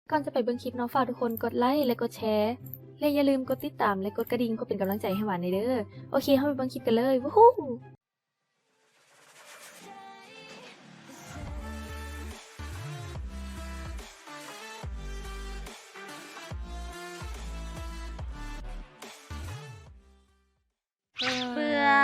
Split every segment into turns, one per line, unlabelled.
ก่อนจะไปเบิ่งคลิปเนาะฝากทุกคนกดไลค์และกดแชร์และอย่าลืมกดติดตามและกดกระดิ่งเพื่อเป็นกำลังใจให้หวานในเด้อโอเคเข้าไปเบิ่งคลิปกันเลยวู้ฮู้
เบื่อ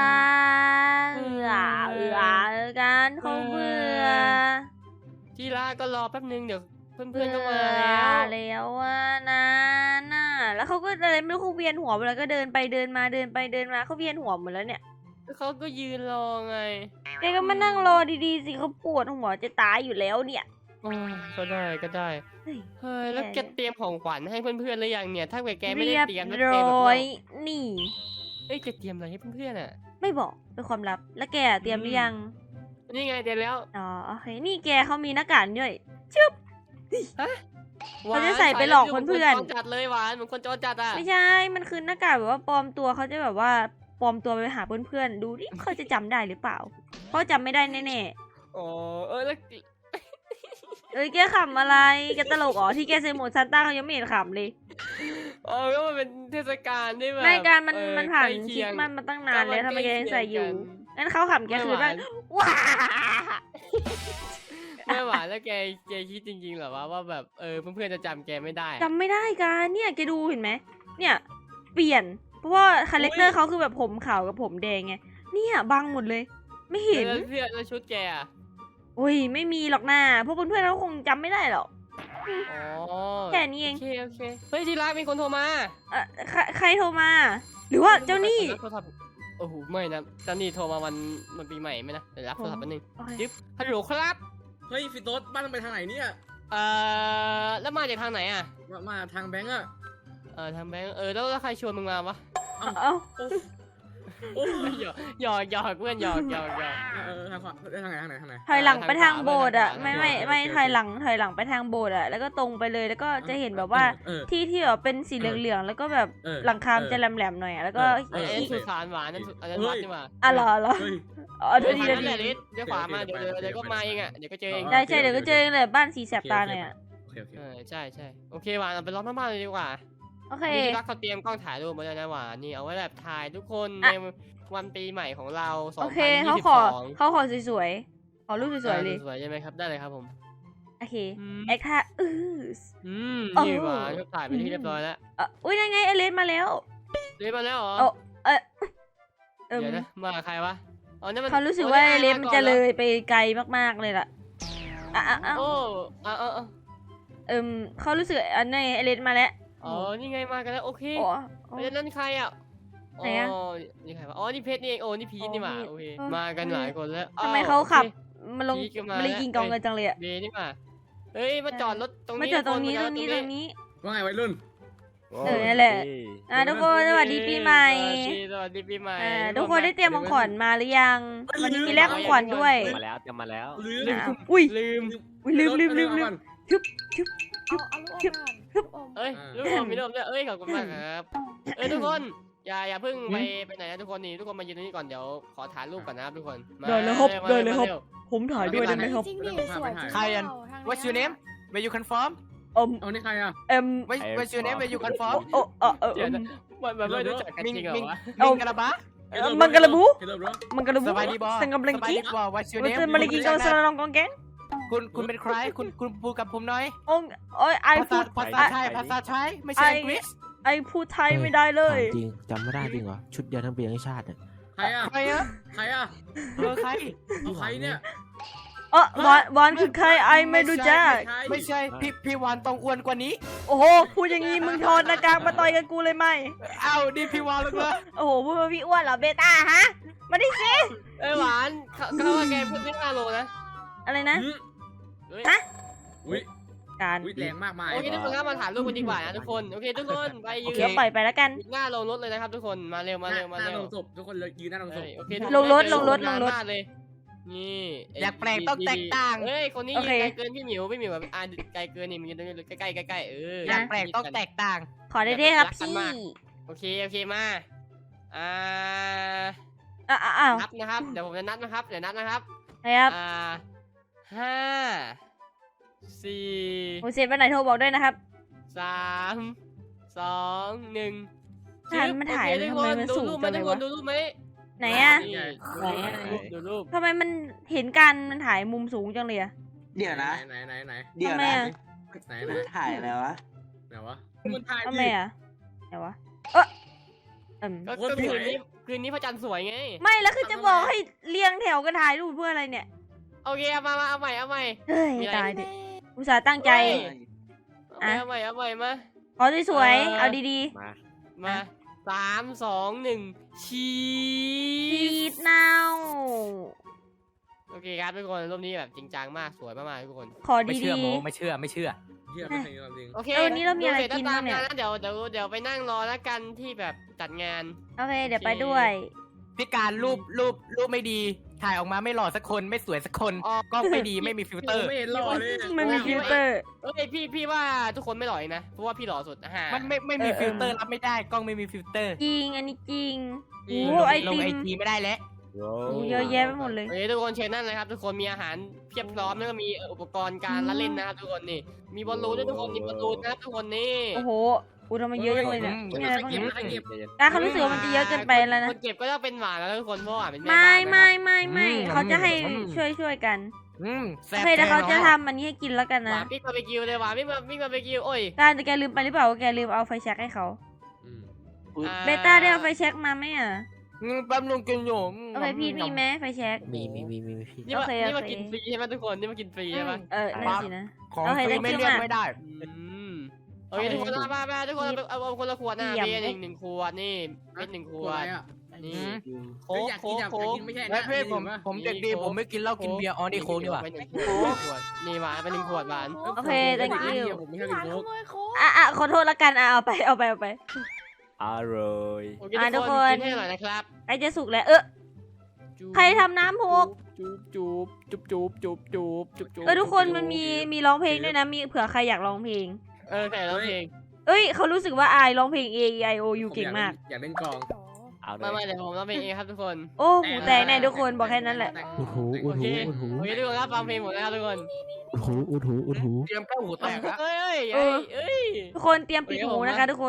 กันเขาเบื่อ
ที่รักก็รอแป๊บนึงเดี๋ยวเพื่อนๆก็มา
แล้วว่านะน่ะแล้วเขาก็อะไรไม่รู้เขาเวียนหัวหมดแล้วก็เดินไปเดินมาเดินไปเดินมาเขาเวียนหัวหมดแล้วเนี่ย
เขาก็ยืนรอไง
แกก็มานั่งรอดีๆสิเขาปวดหัวจะตายอยู่แล้วเนี่ย
โอ้ยก็ได้เฮ้ยแล้วแกเตรียมของขวัญให้เพื่อนๆหรือยังเนี่ยถ้าแกไม่ได้เตรียมแล้ว
เรียบ
แกแบบ
ร้อยนี่
เอ้ยแกเตรียมอะไรให้เพื่อนๆอ่ะ
ไม่บอกเป็นความลับแล้วแกเตรียมหรือยัง
นี่ไงเตรียมแล้ว
อ๋อโอเคนี่แกเขามีหน้ากากด้วยเขาจะ
หวาน
ใส่ไปหลอกเพื่อน
จรจัดเลยหวานเหมือนคนจรจัดอ่ะ
ไม่ใช่มันคือหน้ากากแบบว่าปลอมตัวเขาจะแบบว่าปลอมตัวไปหาเพื่อนๆดูดิเขาจะจำได้หรือเปล่าเขาจำไม่ได้แน่
อ๋อแล้ว
ๆเอ้ยแกขำอะไรแกตลกอ๋อที่แกใส่หมวกซันต้าเขายังไม่เห็นขำเลย
ก็มันเป็นเทศกาลที่แบบ
ไม่การมันผ่าน
ใกล้
ค
เคี
ริ
ย
ส
ง
ต์มาสมาตั้งนานแล้วทำไมแกยังใส่อยู่ งั้นเขาขำแกคือ
ไม่
ว่า
หวาน
ว้า
ไม่หวานแล้วแกคิดจริงๆเหรอว่าแบบเพื่อนๆจะจำแกไม่ได้
จำไม่ได้กันเนี่ยแกดูเห็นไหมเนี่ยเปลี่ยนเพราะว่าคาแรคเตอร์เขาคือแบบผมขาวกับผมแดงไงเนี่ยบังหมดเลย ไม่เห็น
แล้วเสื้อแล้วชุดแกอ่ะ
อุ้ยไม่มีหรอกนะพวกเพื่อนๆเขาคงจำไม่ได้หรอก
อ๋อ
แค่นี้เอง
โอเคเฮ้ยที่รักมีคนโทรมา
ใครโทรมา หรือว่าเจ้าหนี่
โทรศัพท์โอ้โหไม่นะเจ้าหนี่โทรมาวันปีใหม่ไหมนะเดี๋ยวรับโทรศัพท์แป๊บนึง
โอเค
จิ๊บฮัลโหลครับ
เฮ้ยฟิโต้บ้านมันไปทางไหนเนี่ย
แล้วมาจากทางไหนอ่ะ
มาทางแบงก์อะ
ทางแบงค์แล้วใครชวนมึงมาวะ
เอ้า
โอ้
หยอกเพื่อนหยอก
ทางขวาทางไหน
ถอยหลังไปทางโบสถ์อ่ะ
ทางขวา
ไม่ถอยหลังไปทางโบสถ์อ่ะแล้วก็ตรงไปเลยแล้วก็จะเห็นแบบว่าที่แบบเป็นสีเหลืองๆแล้วก็แบบหลังคามจะแหลมๆหน่อยแล้วก็
นั่นสุสานหวานนั่นอันนั้นวัดนี่หว่า
อ่ะเหรอ
เฮ้ย
อ๋อ
เดี๋
ดี
ยว
ดี
นั่นแหละลิศเดี๋ยวขวามาเดี๋ยวก็มาเองอ่ะเดี๋ยวก็เจอเอง
ได้ใช่เดี๋ยวก็เจอเลยบ้านสีแสบตาหน่อยอ่ะ
โอเค
ใช่โอเคหวานเอาไปล้อมหน้าบ้านเลยดีกว่า
โอเค
นี่ที่รักเขาเตรียมกล้องถ่ายรูปมาแล้วนะหวานนี่เอาไว้แบบถ่ายทุกคนในวันปีใหม่ของเรา
โอเคเขาขอสวยๆขอรูปสวยๆเลย
สวยใช่ไหมครับได้เลยครับผม
โอเคแอคท่า
นี่หวานเขาถ่ายไปที่เรียบร้อยแล้ว
อุ้ยนั่นไงเอเลนมาแล้ว
เรียบมาแล้วเหรอ
เดี๋
เดี๋ยวนะมากับใครวะอ๋อนั่นมัน
เขารู้สึกว่าเอเลนมันจะเลยไปไกลมากๆเลยล่ะ
โอ้
เขารู้สึกอันนี้เอเลนมาแล้ว
อ๋อนี่ไงมากันแล้วโอเค
อ๋อ
แล้วนั่นใครอ่ะ
ไหนอะ
นี่ใครวะอ๋อนี่เพชรนี่เองโอ้นี่พีชนี่หว่าโอเคมากันหลายคนแล้ว
ทำไมเขาขับ
โอ
มันลง
พีชก็มา
มันเลยยิงกองเงินจังเลยอะ
เดนี่มาเฮ้ยมาจอดรถตรงนี้
มาจอดตรงนี้
คน
ว่าไงวัยรุ่น
นั่นแหละทุกคนสวัสดีปีใหม่
สวัสดีปีใหม่
ทุกคนได้เตรียมของขวัญมาหรือยังวันนี้มีแลกของขวัญด้วย
มาแล้วจะมาแล้ว
ลืม
อุ้ย
ลืม
ลืม
เอ้ยลูกอมมีลูกด้วยเอ้ยขอบคุณมากครับทุกคนอย่าเพิ่งไปไหนนะทุกคนนี่ทุกคนมายืนตรงนี้ก่อนเดี๋ยวขอถ่ายรูปก่อนนะครับทุกคน
ได้เลยครับผมถ่ายด้วยได้ไหมครับ
จริงดิสวยจริง
ใครอัน What's your name Where you confirm
เอานี่ใครอะ
What's your name Where you confirm
เดี๋ยวนะมันไม่รู้จักกันจริงเหรอวะ
มิงกะลาบะ
มังกรบู
เฮลโลบรอ
มังกรบู
สบายดีบอ
สังกำลัง
สบาย
กี้
ดีบอ What's your
มัน
name
จะมาลีกิงกับสารลองกองแกง
คุณเป็นใครคุณพูดกับผมหน่อย
โอ้ยไอพูด
ภาษาไทยไม่ใช่อังกฤษ
ไอพูดไทยไม่ได้เลย
จริงจำไม่ได้จริงเหรอ ชุดเดียวทั้งปีทั้งชาติเนี่ย
ใครอะ
ใครอะ
ใครอะ
ใคร
เอาใครเนี่ย
วานคือใครไอไม่รู้จัก
ไม่ใช่พี่วานต้องอ้วนกว่านี้
โอ้โหพูดอย่างงี้มึงถอดหน้ากากมาต่อยกับกูเลยไหม
เอาดิพี่วานแล้วเหรอ
โอ้โหพูดว่าพี่อ้วนเหรอเบต้าฮะมาดิสิ
หวานเขาว่าแกพูดไม่5 โลนะ
อะไรนะ
ฮะอุ้ย
การ
แรงมากมาย
โอเคทุกคนครับมาถ่ายรูปกันดีกว่านะทุกคนโอเคทุกคนไปยืน
เดี๋ยวปล่อยไปแล้วกัน
หน้าลงรถเลยนะครับทุกคนมาเร็ว
หน้าลงศพทุกคนเลยยืนหน้าลงศพ
โอเค
ลงรถ
เลยนี่
อยากแปลกต้องแตกต่าง
เฮ้ยคนนี้
โอ
ยืน
เค
ไกลเกินพี่หมิวแบบไกลเกินนี่มันยืนตรงนี้ใกล้
อยากแปลกต้องแตกต่าง
ขอได้ด้วยครับพี่
โอเคมา
อ้าว
นับนะครับเดี๋ยวผมจะนับนะครับเดี๋ยวนับนะครับ
ครับ
5 4
โอเสร็จวันไหนโทรบอกด้วยนะครับ
3 2 1
ทันมันถ่าย
โอเคทุกคน
ทำไมมัน
ดู
สูง
รูปไหม
จัง
ทุ
เล
ก
ย
คน
วะ
ดูรูปไหม
ไหนอะ
นี่
ไหนอะ
ดูรูป
ทำไมมันเห็นกันมันถ่ายมุมสูงจังเลยอะ
เดี๋ยวนะ
ไหน
เดี๋ยว
ทำไม
นะ
อะ
ไหน
ถ่ายอะไรวะ
ไหนวะมันถ่าย
ทำ
ดิ
ไมอะไหนวะเออ
ก็
โคตรสวย
คืนนี้พระจันทร์สวยไง
ไม่แล้วคือจะบอกให้เรียงแถวกันถ่ายรูปเพื่ออะไรเนี่ย
โอเคเอามาเอาใหม่เอาใหม่
เฮ้ย
มีอะไร
ตายดิอุตส่าห์ตั้งใจ
เอาใหม่เอาใหม่มา
ขอสวยๆเอาดี
มา
มา3 2 1ชี
ๆฟีด
ส
นาว
โอเคครับทุกคนรูปนี้แบบจริงจังมากสวยมากๆทุกคน
ขอ
ไม่
ดี
เชื่อโมไม่เชื่อไม่เชื่อ
เฮียไม่เคยความจริง
โอเค
วันนี้เรามีอะไรกิน
ดูสจ
บ้างเนี่ย
ตมะเดี๋ยวไปนั่งรอแล้วกันที่แบบจัดงาน
ๆโอเคเดี๋ยวไปด้วย
พี่การรูปไม่ดี ถ่ายออกมาไม่หล่อสักคนไม่สวยสักคน
อ๋อ
กล้องไม่ดีไม่มีฟิลเตอร์
ไม่เห็นหล่อเลย
ไม่มีฟิลเตอร์
เอ้ยพี่ว่าทุกคนไม่หล่อเองนะเพราะว่าพี่หล่อสุดฮะ
มันไม่มีฟิลเตอร์รับไม่ได้กล้องไม่มีฟิลเตอร์
จริงอันนี้จริง
จริง
โอ้ไอ
ลง
ติ
ไอ
ม
จีไม่ได้แล้ว
โย
โอ้เยอะแยะไปหมดเลย
โอเคทุกคนเชิญนั่นเลยครับทุกคนมีอาหารเพียบพร้อมแล้วก็มีอุปกรณ์การละเล่นนะครับทุกคนนี่มีบอลลูนด้วยทุกคนมีบอลลูนนะครับทุกคนนี่
โอ้โหอุยทำไมเยอะจังเลยเนี่ย
อืม
มีอะไรบ้างเนี่ย
ใครเก็บ
เขารู้สึกว่ามันจะเยอะเกินไปแล้วนะ
คนเก็บก็จะเป็นหวานแล้วทุกคนเพราะหวานเป็นแม่
ไม่
บ้านนะครับ
ไม่เขาจะให้ช่วยกัน
แซ่
โอบ เคแต่เขาจะทำอันนี้ให้กินแล้วกัน
ห
นะ
วานปิ๊กบาร์บีคิวเลยหวานปิ๊กบาร์บีคิวโอ้ย
การแต่แกลืมไปหรือเปล่าว่าแกลืมเอาไฟแช็กให้เขา
อืม
เบต้าได้เอาไฟแช็กมาไหมอ่ะ
แป๊บนึงกินอยู่
โอเคพี่มีไหมไฟแช็ก
มีพี่
นี่มา
โอเค
นี่มา
โอเค
กินฟรีใช่ไหมทุกคนนี่มากินฟรีใช่ไหม
นั่นสินะ
ของ
โอเค
ฟรี
thank
ไม่
you
เลือก
มาก
ไม่ได้
โอเคทุกคนมาทุกคนเอาคนละขวดนะ
เยี่ยม
เบียร์หนึ่งขวดนี่เป็นหนึ่งข
ข
ว
วด
ด
อะไรอ่ะ
นี่
อืม
โค้ก
อยาก
โค้
กิน
ก
อยาก
โค้ก
กินไม่ใช่
และ
นะ
เพื่อนผมเด็กดีผมไม่กินเหล้ากินเบียร์อ๋อนี่โค้กดีกว่า
เป็นหนึ่งขวดนี่หวานเป็นหนึ่งขวดหวาน
โอเค thank you
ผมไม่ชอบกินโค้ก
อ่ะขอโทษละกันเอาไป
อร่อย
โอเค
ทุ
ทุ
ก
ก
ค
คน นกินให้หน่อยนะครับ
ใกล้จะสุกแล้วใครทำน้ำหก
จูบ
ทุกคนมันมีร้องเพลงด้วยนะมีเผื่อใครอยากร้องเพลง
ใส่ร้องเพลง
เอ้ยเขารู้สึกว่าอายร้องเพลง A E I O U เก่งมาก
อยากเล่นกลอง
เอาเล
มาย เดี๋ยวผมร้องเพลงเองครับทุกคน
โอ้หูแตกแน่ทุกคนบอกแค่นั้นแหละ
อุดหู
โอเคโอเคทุกคนครับฟังเพลงหมดแล้วครับทุกคน
อุดหู
เตรียมเข้าหูแตกอะ
เอ้ย
ทุกคนเตรียมปิดหูนะคะทุกคน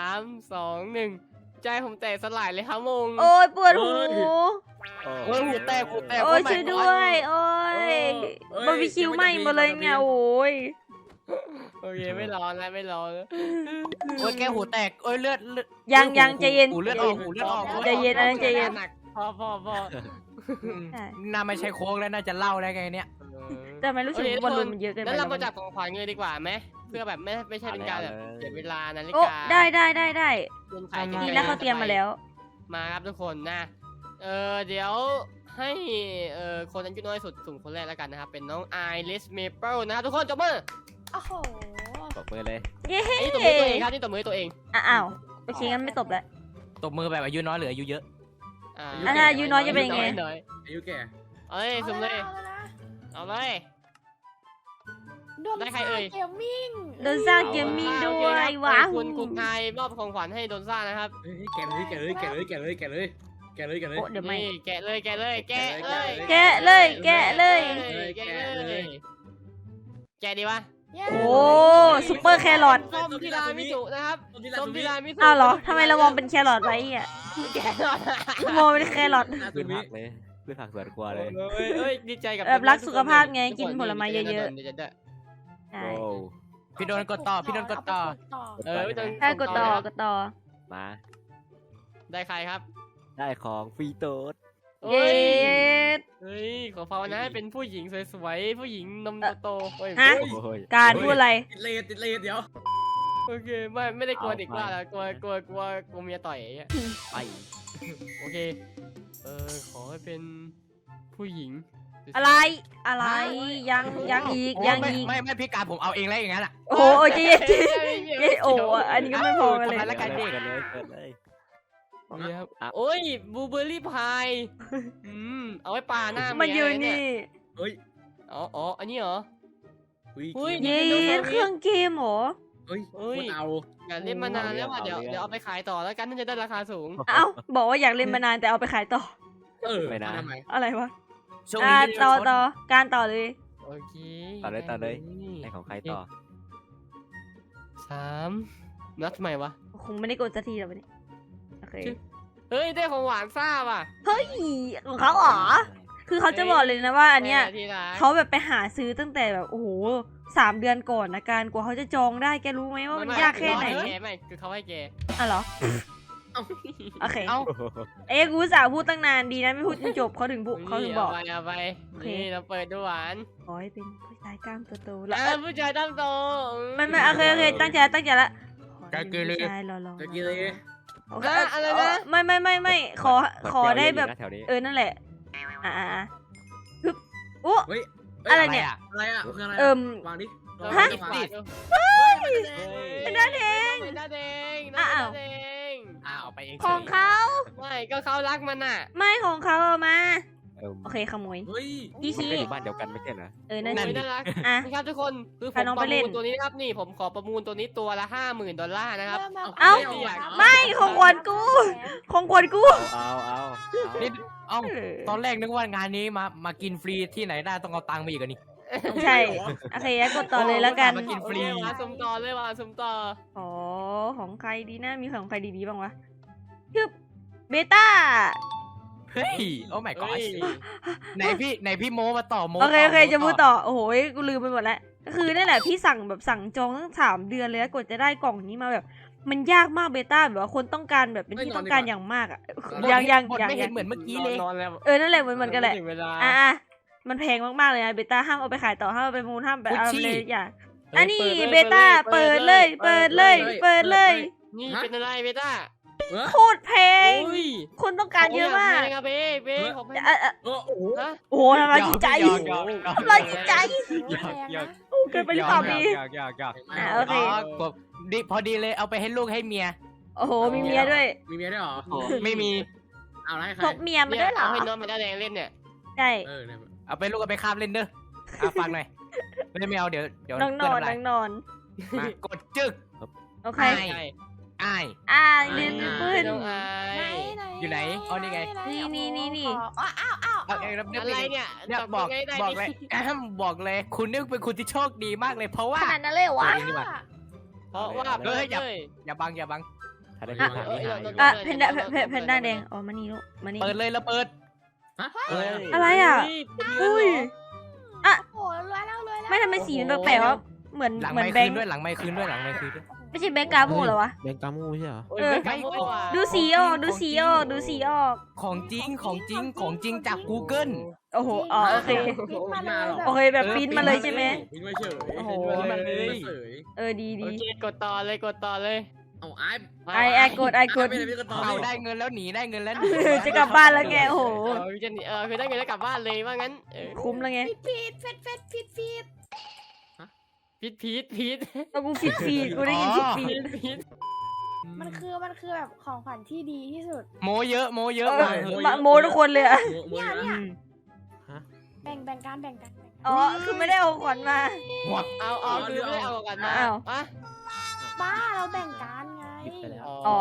3 2 1ใจผมแตกสลายเลยครับมง
โอ้ยปวดหู
โอ้ยหูแตก
โอ้ยช่วยด้วย โอ้ยบาร์บีคิวไหม้หมดเลยเนี่ยโอ้ย
โอเคไม่ร้อนแล้วไม่ร้อนแล้ว
โอ้ยแกหูแตกโอ้ยเลือด
ยังใจเย็น
หูเลือดออกหูเลือดออก
ใจเย็นอันนั้นใจเย็น
หนักพอ
ใช่
น่าไม่ใช่โค้กแล้วน่าจะเล่าได้ไงเนี่ย
แต่ไม่รู้สึกว่าบอลลูนมันเยอะเกินไป
แล้วเรา
แล้ว
มาจับของขวัญเลยดีกว่าไหมเพื่อแบบไม่ใช่เป็นการแบบเสียเวลานาฬิ
โอ้
กา
ได้
เงินขาย
ดีแล้วเขาเตรียมมาแล้ว
มาครับทุกคนนะเดี๋ยวให้คนอายุน้อยสุดสุ่มคนแรกแล้วกันนะครับเป็นน้องไอริสเมเปิลนะครับทุกคนจบมือ
โอ้โห
ตบมือเลย
เย้
อันนี้ตบมือตัวเองครับนี่ตบมือตัวเอง
อ้าวโอเคงั้นไม่ตบแล้ว
ตบมือแบบอายุน้อยหรืออายุเยอะ
ถ้าอายุน้อยจะเป็นยังไง
อายุแก่
เอาเลยสุ่มเลยเอาเลย ได้ใครเอ่ย
เกมมิ่ง
โดนสร้างเกมมิ่งด้วยว้าว
คุณไทยมอบของขวัญให้โดนซ่านะครับ
แก่เลยแก่เลยแก่เลยแก่เลยแก่เลยแก่เลยแก่เลย
โอ้เดี๋ยวไม่
นี่แกะเลยแกะเลยแกะเลย
แกะเลยแกะเลย
แกะเลยแกะดีวะ
โอ้ซุปเปอร์แครอท
ส้มที่รามิสุนะครับส้มที่รามิสุ
อ้าวเหรอทำไมเรามองเป็นแครอทไว้อ่ะ
แกะหน่อย
มองเป็นแครอท
พืชผักเลยพืชผักสวนครัวเลย
เอ้ยดีใจกับ
แบบรักสุขภาพไงกินผลไม้เยอะ ใช่
โอ้
พี่โดนกดต่อพี่โดนกดต่อ
ถ้ากดต่อกดต่อ
มา
ได้ใครครับ
ได้ของฟรีโต๊ด
เย้
เฮ้ยขอภาวนาให้เป็นผู้หญิงสวยๆผู้หญิงนมโตๆเฮ้ย
ฮะ
โอ้ย
การพูดอะไร
ติดเลทเดี๋ยว
โอเคไม่ได้กลัวเด็กว่าแล้วกลัวเมียต่อยอย่างเงี้ย
ไป
โอเคขอให้เป็นผู้หญิงสวยๆ
อะไรอะไรยังอีกยังอีก
ไม่พี่การผมเอาเองแล้วอย่างนั้นอ่ะ
โอ้โหเจ๊เจ๊โอ้อันนี้ก็ไม่พอกันเลย
ทำไมละกัน
เกิดเลยเกิดเลย
โอเคครับ
อ่ะ
โอ้ยบลูเบอร์รี่พายเอาไว้ปาหน้า
มันยืน
เมี
นี่
เฮ้ย
อ๋ออันนี้เหรอ
อุ้ย
เย้เครื่องเกมเหรอ
เฮ้ยคนเอา
อยากเล่นมานานแล้วอ่ะเดี๋ยวเอาไปขายต่อแล้วกันน่าจะได้ราคาสูง
เอ้าบอกว่าอยากเล่นมานานแต่เอาไปขายต่อ
ทำไม
อะไรวะ
ช่วง
อ่า
นี้
ต่อการต่อเลย
โอโอเค
ต่อเลยในของใครต่อ
3นับทำไมวะ
คงไม่ได้กดสักทีหรอกวันนี้โอเค
เฮ้ยได้ของหวานซ่าว่ะ
เฮ้ยของเขาเหรอคือเขาจะบอกเลยนะว่าอันเนี้ย
ที่รัก
เขาแบบไปหาซื้อตั้งแต่แบบโอ้โห3 เดือนก่อนนะการกว่าเขาจะจองได้แกรู้ไหมว่ามันยากแค่ไหน
ไม่คือเขาให้แก
อ่ะเหรอ โอเค
เอ้า
กูอุตสาห์พูดตั้งนานดีนะไม่พูดจนจบเขาถึงบอก
เอาไป
โอเค
นี่เราเปิดดูหวาน
ขอให้เป็นผู้ชายกล้ามโตๆแล้ว
ผู้ชายตั้งโต
ไม่โอเคตั้งใจละขอให้เป็นผู้ชายหล่อๆ
จะกินเลย
โอเค
อะไรนะ
ไม่ขอได้แบบ
แถวนี้
นั่นแหละฮึบโอ้
เฮ้ย
อะไรเนี่ย
อะไรอ่ะคืออะไร วางดิ
ฮะ
เป็นด้านแดงเป็นด้านแดง
อ้าว
แดง
เอาไปเอง
ของเขา
ไม่ก็เขารักมันน่ะ
ไม่ของเขาเอามา
เออ
โอเคขโมย
เฮ้ย
พี่
มัน
ชี้
ก็อยู่บ้านเดียวกันไม่ใช่เหรอ
นั่น
โอ้ย
สิ
น่ารัก
อ่ะ
นี่ครับทุกคนคือผม
พาน้อง
ป
ไประ เล่
มู
น
ลตัวนี้นะครับนี่ผมขอประมูลตัวนี้ตัวละ$50,000นะครับ
เอ้า ไม่ของขวัญกู ของขวัญกู
เอา
นี่เอ้าตอนแรกนึกว่างานนี้มากินฟรีที่ไหนได้ต้องเอาตังค์มาอีกอันนี้
ใช่โอเคงั้นกดต่อเลยแล้วกัน
มากินฟรี
วางสมต่อเลยวางสมต่อ
อ๋อของใครดีนะมีของใครดีๆบ้างวะฮึบเบต้า
เฮ้ยโอ้ my
เฮ้
god
ย
ไหนพี่โมมาต่อโม
โอเค
ต่
โอเคจะพูดต่อโอ้โหกูลืมไปหมดแล้วก็คือนั่นแหละพี่สั่งจองตั้ง3 เดือนเลยแล้วกว่าจะได้กล่องนี้มาแบบ มันยากมากเบต้าแบบว่าคนต้องการแบบเป็นที่ต้องการอย่างมากอ่ะ
บท
ยัง
บทไม่เห็นเหมือนเมื่อกี้เลย
นอนแล้ว
นั่นแหละเหมือนกันแหละ
ถึงเวลา
อ่ะมันแพงมากๆเลยนะเบต้าห้ามเอาไปขายต่อห้ามเอาไปมูลห้ามไปเอาไปเลยอย่าอันนี้เบต้าเปิดเลย
นี่เป็นอะไรเบต้า
โคตรแพง
อุ้ย
คนต้องการเยอะมาก
ขงแพงอะเบ้ของแพง
โอ้โห
ฮะ
โอ้โหทำลายจิตใจ
หยอกหยอกหยอก
ทำลายจิตใจ
หยอก
โอ้เกินไปหรือเปล่าพี่
หยอก
โอเค
กบดีพอดีเลยเอาไปให้ลูกให้เมีย
โอ้โหมีเมียด้วย
มีเมียด้วยเหรอ
ไม่มี
เอาอะไรให้ใคร
พกเมียมาด้วยเหรอ
เอาให้น้องมาได้แดงเล่นเนี่ย
ใช่
เนี่ย
เอาไปลูกเอาไปคาบเล่นเด้อฟังหน่อยไม่เอาเดี๋ยว
น้องนอน
เพื่
น้องนอน
มากดจึก
โอเค
ใช่ อ้าย
เรียนปืน
น้องอาย
อยู่ไหนอ๋อนี่ไง
นี่
เอาเองรับ
อะไรเนี่ย
เนี่ย
ต
บอก
ยังไงได้
บอกเลยบอกเลย คุณนี่เป็นคุณที่โชคดีมากเลย เพราะว่า
ขนาดนั้นเลยเหรอวะ
ตัวเองดีกว่า
เพราะว่า
เฮ้ยอย่า
เลย
อย่าบังอย่าบัง
ถ้าได้ที่หาที่หาอยู่
เพนด้าแดงอ๋อมานี่ลูกมานี่
เปิดเลยแล้วเปิด
ฮะ
อะไรอ่ะ อุ้ย
โอ้รวยแล้วรวยแล้ว
ไม่ทำไมสีมันแปลกๆวะเหมือน
หลัง
เหมือ
ไม่
นแบ
คื
ง
น
ค์
ด้วยหลังไม่คืนด้วยหลังไม่คืนด้วย
ไม่ใช่แบงค์กาโมเหรอวะ
แบงกามูใช่เหรอ
ไม่
ดูสีออกดูสีออก
ของจริงจาก Google
โอ้โหอ๋อโอเค
พิมพ์มาเลย
โอเคแบบปริ้นมาเลยใช่ไหม
พิมพ์มาเฉย
โอ้โห
มาเลยเฉย
ดี
โอเคกดต่อเลยกดต่อเลย
เอาไอ้
ไอากด
ไม่ได้พี่ก็ต่อ
เอาได้เงินแล้วหนีได้เงินแล้วหนี
จะกลับบ้านแล้วแกโอ้โห
จะคือได้เงินแล้วกลับบ้านเลยว่างั้น
คุ้มแล้วไง
ผิดผิด
พีท
เอากูฟีดกูได้ยินฟีด
มันคือแบบของขวัญที่ดีที่สุด
โมเยอะ
โมทุกคนเลยอะ
เนี่ยแบ่งกัน
อ๋อคือไม่ได้เอาขวัญมา
เอาคือไม่ได้เอากันมา
บ้าเราแบ่งกันไง
อ๋อ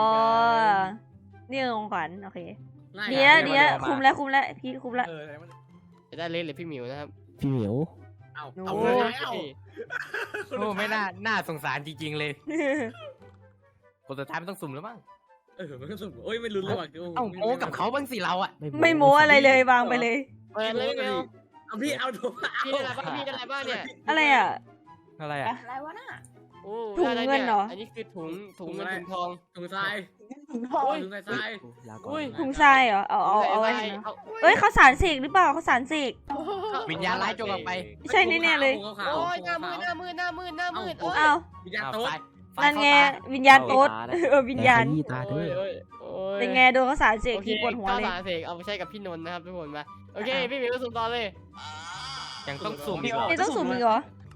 นี่ของขวัญโอเคดีแล้วคุ้มแล้วพี่คุ้มแล้ว
จะได้เล่นเลยพี่หมิวนะครับ
พี่เหมียว
เอาเลยเอา
โอ้ไม่น่าสงสารจริงๆเลยคนสุดท้ายมันต้องสุ่มแล้วมั้ง
มันก็สุดโอ้ยไม่รู้เลยว่ะ
เอ้าโมกับเขาบ้างสิเราอะ
ไม่โม้อะไรเลยวางไปเลย
เปิดเลยพี่หมิว
เอาพี่เอาถูก
พี่ได้อะไรบ้างพี่ได้อะไรบ้างเนี่ย
อะไรอ่ะ
อะไรอะ
อะไรวะน่ะ
โอ้
ถุงเงินเหรอ
อันนี้คือถุงเงินถุงทอง
ถุงทราย
โอ้ย
ถุงทราย
ลาก่อ
อุ้ย
น
ถุงทรายเหรอเอาไว้นะเอ้ยเขาสารเสกหรือเปล่าเขาสารเสก
วิญญาณร้ายจงออกไป
ใช่แน่ๆเลย
โอ้ยหน้ามืดโอ้ย
อ้าว
วิญญาณโต๊ะ
นั่นไงวิญญาณโต๊ดวิญญาณ
ตาเด้อ
เป็นไงโดนเขาสารเสกทีปวดหัวเลย
สารเสกเอาไปใช้กับพี่นนท์นะครับทุกคนมาโอเคพี่หมิวสุ่มต่อเลย
ยังต้องสุ่มอีกเหรอ
นี่ต้องสุ่มอีกเหรอ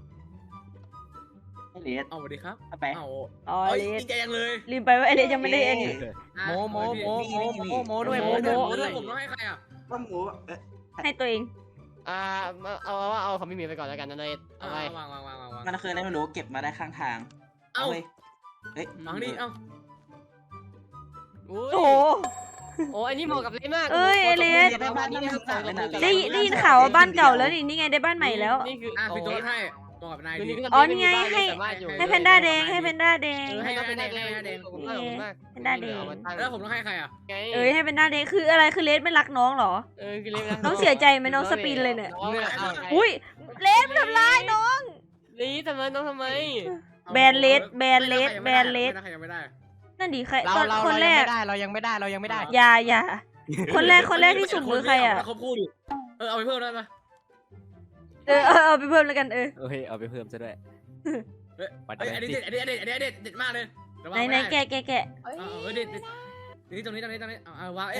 เลส
เอาสวัสดีครับ
ไป
เอา
อ๋อ
เอ้ย
เลส
ดีใจยังเลย
ลืมไปว่าไอเลสยังไม่ได้อันนี้
โมด้วย
ผมต้องให้ใครอ่ะ
ว่าหมู
ให้ตัวเอง
เอาของพี่หมิวไปก่อนแล้วกันนะเนยเอาไป
วาง
มันเคยได้ไม่รู้เก็บมาได้ข้างทาง
เอา
เฮ้ย
วางดิเอา
อุ้ย
โอ้โห
โอ้อันนี้เหมาะกับเลสมาก
เอ้ยไอ้เลส
ได้บ้านนี้ไม่ต่างเลยนะ
ได้ยินข่าวว่าบ้านเก่าแล้วนี่ไงได้บ้านใหม่แล้ว
นี่คือ
พี่โต๊ดให้บอกกับนาย
คือ
ดี
นี่ก็
อ๋อนี่ไงให้
ให้
แพนด้าแดงให้แพนด้าแดง
ให้แพนด้าแดง
ขอบคุณมากขอบคุณมาก
แพนด้าแดง
แล้วผมต้องให้ใครอ่ะ
ไง
เอ้ยให้แพนด้าแดงคืออะไรคือเลสไม่รักน้องเหรอ
คือเลส
น้องเสียใจไหมน้องสปินเลยเนี่ย
อุ้
อุ้ยเลสทำร้ายน้อง
ลีทำไมน้องทำไม
แบนเลสแบนเลสแบนเลส
ใครยังไม่ได้
นั่นดิใคร
เรา
ตอน
เรา
คนแรก
เรายังไม่ได้เรายังไม่ได้
อย่าคนแรกที่สุ่มคือใครอ่ะ
เขาพูดอยู่เอาไปเพิ่มได้ไหม
เอาไปเพิ่มแล้วกัน
เฮ้ยเอาไปเพิ่มซะด้วย
อันนี้เด็ดมากเลย
ไหนแกะ
เอ้ย
เด็ดนี่ตรงนี้วาง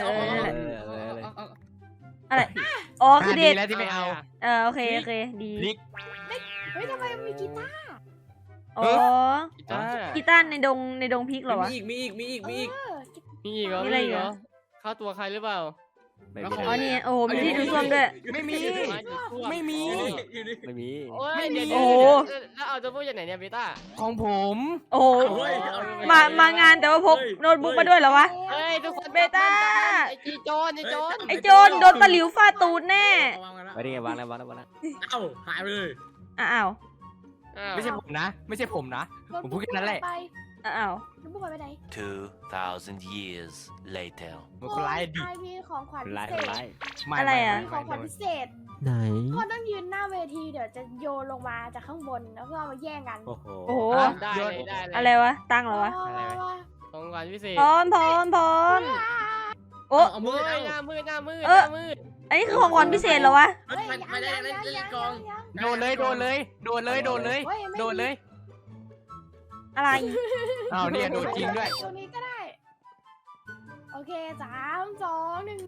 อะไรอ๋อคือเด็ด
แล้วที่ไม่เอา
โอเคดี
พลิก
เฮ้ยทำไมมันมีกีตาร์
อ๋อกีตาร์ในดงพริกเหรอวะ
มีอีก
เออ
มีอีกเหรอ
มีอะไรอีกเหรอ
เข้าตัวใครหรือเปล่า
ไม่
อ๋อนี่โอ้โหมีที่ดูส้วมด้วย
ไม่มี ไม่มี
ไม่มี
โอ้ยเดี๋ยว
โอ้โห
แล้วเอาตัวพวกจากไหนเนี่ยเบต้า
ของผม
โอ้โหมางานแต่ว่าพกโน้ตบุ๊กมาด้วยเหรอวะ
เฮ้ยทุกคน
เบต้า
ไอ้โจร
ไอ้โจรโดนตะหลิวฟาดตูดแน่
ไว้ได้ไงวางแล้ว
เอ้าหายไปเลย
อ้าว
ไม่ใช่ผมนะ ไม่ใช่ผมนะ ผมพูดแค่นั้นแหละ
ไป
อ้าว
น้องบุ๊กไปไหน
2,000 years later
มันคนร้ายดิ
ไอมีของขวัญ
คน
พิ
ร้าย
เศ
คน
ษ
ร้าย
อะไรอะ
มีของขวัญพิเศษ
ไหน
ก็ต้องยืนหน้าเวทีเดี๋ยวจะโยนลงมาจากข้างบนแล้วก็เอามาแย่งกัน
โอ้โห
โอ้โห
ได้เลย
อะไรวะตั้งเหรอวะ
ว้าว
ของขวัญพิเศษ
พร้อมโอ้
เอามือ
เฮ้ย
เอา
หน้ามืดหน้ามืด
เออ อันนี้คือของขวัญพิเศษเหรอวะ
ไม่ได้เล่นกอง
โดนเลย โดนเลย
อะไร
อ้าวเนี่ยโดนจริงด้วย
ตรงนี้ก็ได้ โอเค3 2 1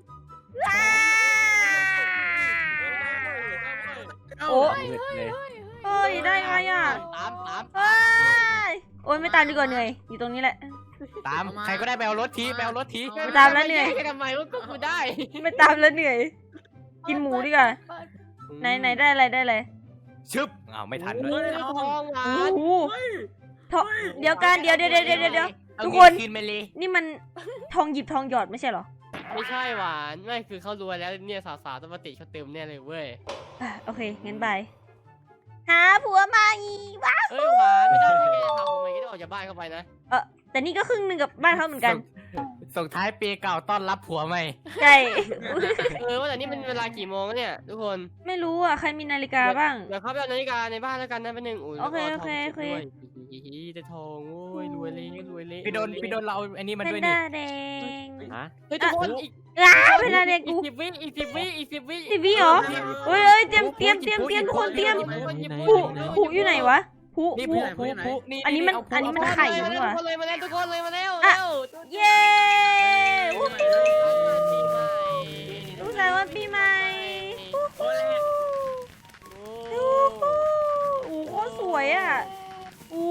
โอ้
มืดเลย
เฮ้ยได้ไงอ่ะ
ตาม
เฮ้ยโอ้ยไม่ตามดีกว่าเหนื่อยอยู่ตรงนี้แหละ
ตาม ใครก็ได้ไปเอารถที
ไม่ตามแล้วเหนื่อย
ทำไมว่าก็กูได้
ไม่ตามแล้วเหนื่อย กินหมูดีกว่า ไหนได้อะไร
ชึบอ้าวไม่ทันด้วย
ทองหวา
โอ้
น
โหเดี๋ยวกันเดี๋ยว
เอา
ทุก
เงิ
คน
คืนไปเลย
นี่มันทองหยิบทองหยอดไม่ใช่เหรอ
ไม่ใช่หวานไม่คือเขารวยแล้วเนี่ยสาวๆต้องมาติเขาเติมแน่เลยเว้ย
โอเคงั้นบายหาผัวมาอีกวะ
เอ้ยหวานไม่ได้ไม่ได้ทำผมไม่ได้ออกจากบ้านเข้าไปนะ
แต่นี่ก็ครึ่งหนึ่งกับบ้านเขาเหมือนกัน
ส่งท้ายปีเก่าต้อนรับผัวใหม่
ใช่
ว่าแต่นี่มันเวลากี่โมงเนี่ยทุกคน
ไม่รู้อ่ะใครมีนาฬิกาบ้าง
เดี๋ยวเข้าไปเอานาฬิกาในบ้านแล้วกันนะเป็นหนึ่ง
โอเค
แต่ทองโอ้ยรวยเลย
พี่โดนเราอันนี้มัน
เป็น
ด้วย
ห
นี่
น้าแดง
ฮะ
เฮ้ยทุกคนอีก
เป็นหน้าแดงกู
10 วิอีก 10 วิอีก 10 วิ
ทีวีเหรอเฮ้ยเตรียมทุกคนเตรียมผูอยู่ไหนวะผู
นี่
ผู
ผู้นี่
อันนี้มันไข่นี่หว่า
ทุกคนเลยมาแล้วทุกคนเลยมาแล้ว
เย้ลูกสาววันปีใหม่โอ้โหสวยอ่ะโอ้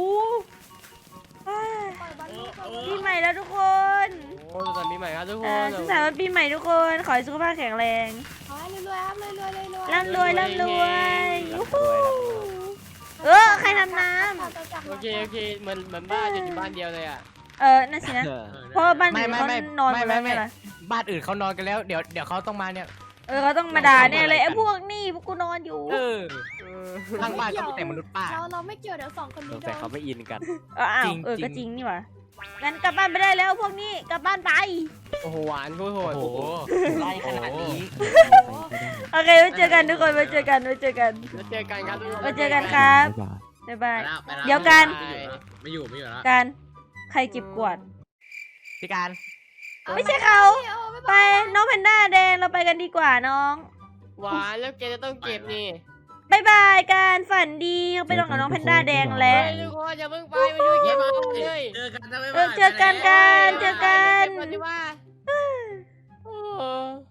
ปีใหม่แล้วทุกคน
โอ้ตอนปีใหม่ครับทุกคน
สุขสันต์วันปีใหม่ทุกคนขอให้สุขภาพแข็งแรง
ขอให้รวยๆครับรวยๆ
ร่ำรวยยูฮูใครทำน้
โอเคเหมือนบ้านอยู่บ้านเดียวเลยอ่ะ
ำนั่นสินะเพราะบ้านอื่นเขานอนกันแล้วไงล่ะ
บ้านอื่นเขานอนกันแล้วเดี๋ยวเขาต้องมาเนี่ย
เขาต้องมาด่าเนี่ยเลยไอ้พวกนี่พวกกูนอนอยู่
ทางบ้านก็มีแต่มนุษย์ป้า
เราไม่เกี่ยวเดี๋ยว2 คน
ส
นี้
ง
โด
สัย
น
เขาไม่อินกัน
อ้าว
จริง
ก็จริงนี่หว่างั้นกลับบ้านไปได้แล้วพวกนี้กลับบ้านไป
โอ้โหหวานโคตรโหด
โอ้โหไล่ขนาดนี้
โอเคไว้เจอกันทุกคนไว้เจอกัน
แล้วเจอกันครับ
ไว้เจอกันครับ
บ๊ายบาย
บ๊ายบาย
ไม่อยู่แล้ว
การใครเก็บกวาด
พี่การ
ไม่ใช่เขาไปน้องแพนด้าแดงเราไปกันดีกว่าน้อง
หวานแล้วแกจะต้องเก็บนี่
บายบายการฝันดีไปนอนกับน้องแพนด้าแดงแล้ว
ทุกคนอย่าเพิ่งไปมาอยู่เก็บมาเลย
เจอกัน
เจอกันกัน
ปฏิว่า